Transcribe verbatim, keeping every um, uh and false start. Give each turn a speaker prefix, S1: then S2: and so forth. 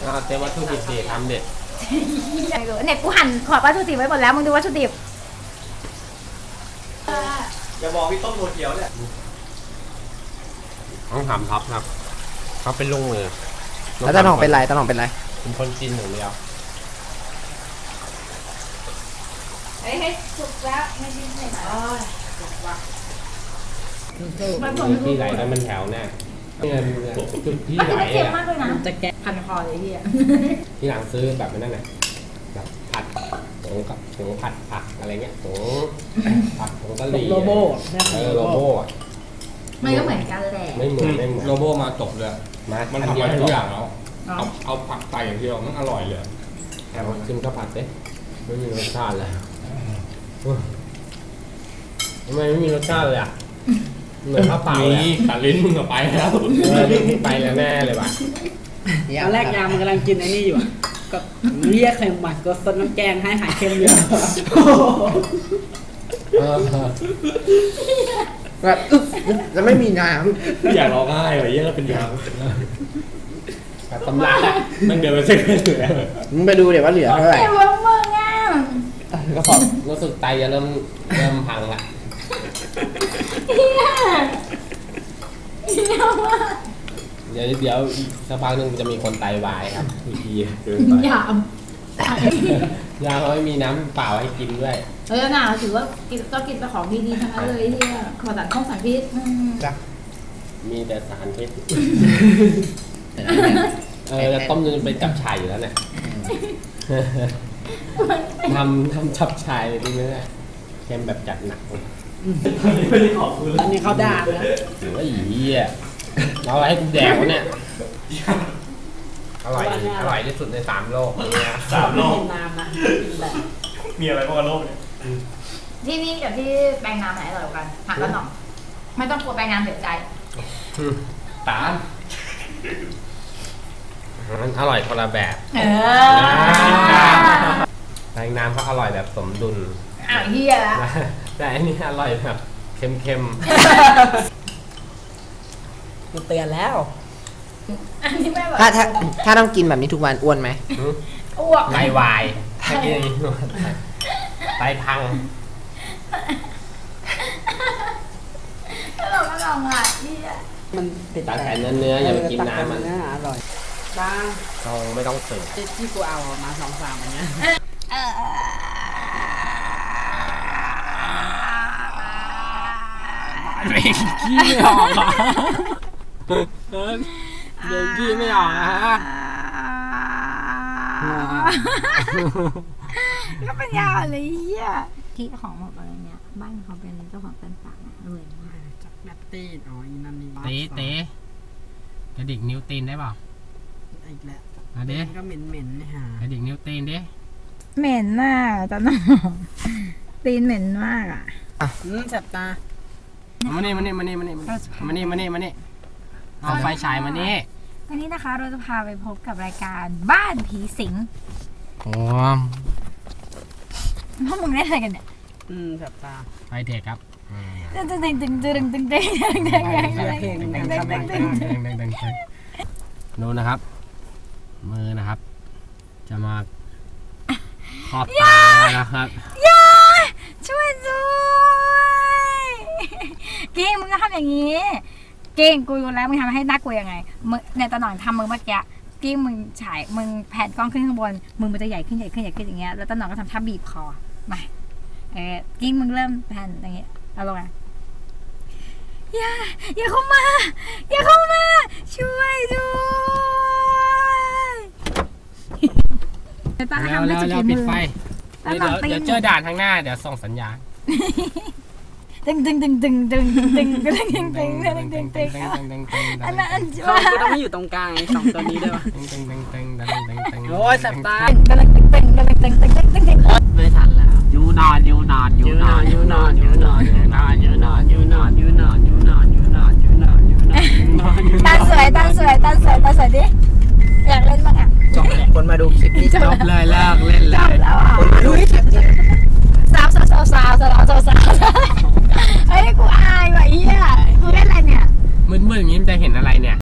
S1: เตรียมวัตถุดิบเด็ดทำเด็ด
S2: เนี่ยกูหั่นขอบวัตถุดิบไว้หมดแล้วมึงดูวัตถุดิบ
S3: อย่าบอกพี่ต้มโรเขียวเนี่ย
S1: ต้องทำท็อปครับเขาเป็นลุงมือ
S4: แล้วตาหน่องเป็นไรตาหน่องเป็นไร
S1: เป็นคนจีนอย่างเดียว
S2: เฮ้ยให้สุกแล้วไม่ดิ้นใส่หน่อย
S1: ที่ไหลแล้วมันแถวแน่จุดที่ไหลอ่ะ
S2: จะแกะพันคอเลยพี่อ่ะ
S1: ที่หลังซื้อแบบนั้นแหละแบบผัดผงกับผงผัดผักอะไรเงี้ยผงผัดผงกะหรี่
S4: โลโบ้
S1: เออโลโบ้
S2: มันก็เหมือนกันแหละ
S1: ไม่เหมือนไม่เหมือน
S3: โลโบ้มาจบเลยมันทำอะไรทุกอย่างแล้วเอาเอาผักใส่อย่างเดียวมันอร่อยเลย
S1: แต่ว่าชิมข้าวผัดเด้ไม่มีรสชาติเลยทำไมไม่มีรสชาติเลยอ่ะเหมือนข้าวเปล่าเลย
S3: ตัดลิ้นมึงก็ไปแล้ว
S1: ไปแล้วแน่เลยว่ะ
S4: ตอนแรกยามมันกำลังกินไอ้นี่อยู่ก็เรียกเค็มมาก็ซดน้ำแกงให้หายเค็มอยู่แบบจะไม่มีน้
S3: ำอยากร้องไห้เลยเยอะเป็นยาว
S1: แบบตำรา
S3: มันเดินไปเส้นเหลือ
S4: มึงไปดูเดี๋ยวว่าเหลือเท่าไหร่
S2: เดี๋ยวมึงอ่ะ
S1: ก็พอรู้สึกไตจะเริ่มเริ่มพังละเดี๋ยวเดี๋ยวสักพักนึงจะมีคนไตวายครับอีกทีเกินไป
S2: ยาม
S1: ยาเขาไม่มีน้ำเปล่าให้กินด้วย
S2: เออน่าถือว่ากินก็กินแต่ของดีๆทั้งนั้นเลยที่ขอสารข้องสารพิษ
S1: จ้ะมีแต่สารพิษเออต้มจนเป็นจับฉ่ายอยู่แล้วเนี่ยทำทำจับฉ่ายเลยดีไหมเนี่ยเค็มแบบจัดหนัก
S3: อันนี้ไม่ได้ขอบคุณ
S4: อันนี้เขาด่าแล้ว
S1: หรือว่าอีอ่ะเอาอะไรให้กูแดกวะเนี่ยอร่อยอร่อยที่สุดในสามโลกเนี่ย
S3: สามโลก
S4: น้ำนะ
S3: มีอะไรบ้างโลกเนี่ย
S2: ที่นี่กับที่แปลงน้ำไหนอร่อยกว่ากันถามกันหน่อยไม่ต้องกลัวแปลงน้ำเสียใจ
S1: ตามมันอร่อยคนละแบบ
S2: เออ
S1: แปลงน้ำเขาอร่อยแบบสมดุล
S2: อ้าวเฮียละ
S1: แต่อันนี้อร่อยแบบเค็ม
S4: ๆกูเตือนแล้ว
S2: อันนี้ไม่แบบ
S4: ถ้าถ้าถ้าต้องกินแบบนี้ทุกวันอ้วนไหม
S2: อ้วก
S1: ไตวายถ้ากินอย่างนี้ไตพัง
S2: ถ้าเราไม่ลองอ่ะนี่
S4: มันติด
S1: แต่เนื้อเนื้ออย่าไปกินน้ำมัน
S4: อร่อยบ้า
S1: เราไม่ต้องเสิร์ฟ
S4: ที่กูเอามาสองสามอันเนี้ย
S1: เด็กขี้ไม่ออกอ่ะเด็กขี้ไม่ออกอ่ะ
S2: ก็เป็นยาวเลยเฮียที่ของแบบอะไรเนี้ยบ้านเขาเป็นเจ้าของเป็นปากรวยมาก
S4: จากแบตตี้อ๋ออีนั่นนี่
S1: เต๋เต๋กระดิกนิ้วตีนได้เปล่า
S4: อีกแล้ว
S1: อะเด้
S4: ก็เหม็นเหม็นนะฮะ
S1: กระดิกนิ้วตีนดิ
S2: เหม็นมากตอนนั้นตีนเหม็นมากอ่ะ
S4: อืมแสบตา
S1: มานี่มานี่มานี่มานี่มานี่มานี่มานี่เอาไฟฉายมานี่
S2: วันนี้นะคะเราจะพาไปพบกับรายการบ้านผีสิง
S1: โอ้
S2: พวกมึงได้อะไรกันเนี่ย
S4: อืมแสบตา
S1: ไฟเทคครับ
S2: ตึงตึงตึงตึงตึงตึงตึงตึงตึงตึง
S1: ตึงดูนะครับมือนะครับจะมาขอบตานะครับ
S2: อย่าช่วยด้วยเก่งมึงก็ทำอย่างนี้เก่งกูรู้แล้วมึงทำให้น่ากลัวยังไงมึงเนี่ยตอนหน่อยทำมึงเมื่อกี้กิ้งมึงฉายมึงแผ่นกล้องขึ้นข้างบนมึงมันจะใหญ่ขึ้นใหญ่ขึ้นใหญ่ขึ้นอย่างเงี้ยแล้วตอนหน่อยก็ทำท่าบีบคอมาเออกิ้งมึงเริ่มแผ่นอย่างเงี้ยเอาลงมาอย่าอย่าเข้ามาอย่าเข้ามาช่วยด้วย
S1: ตาทำได้จุดปิดไฟเดี๋ยวเจอด่านข้างหน้าเดี๋ยวส่งสัญญาณ
S2: ตึงตึงตึงตึงตึงตึงตึงตึงตึงตึงตึงตึงอันนั้น
S4: เขาต้องให้อยู่ตรงกลางสองตัวนี้ด้วยวะ
S1: ตึงตึงตึงตึงตึงตึง
S4: โอ้ยแสบตา
S2: ตึงตึงตึงตึงตึงตึงตึงตึงตึง
S4: ไม่ทันแล้วยูนอนยูนอนยูนอนยูนอนยูนอนยูนอนยูนอนยูนอนยูนอนยูนอนยูนอนยูนอนยูนอน
S2: ตาสวยตาสวยตาสวยตาสวยดิอยากเล่นบ้างอ่ะ
S4: จบเลยคนมาดูคลิปนี้
S1: จบเลยเลิกเล่นเลย
S4: คนมาดู
S2: สาวสาวสาวสาวสาวสาวสาวเฮ้ยกูอายว่ะเฮียกูเล่นอะไรเนี่ย
S1: มืดๆอย่างนี้มันจะเห็นอะไรเนี่ย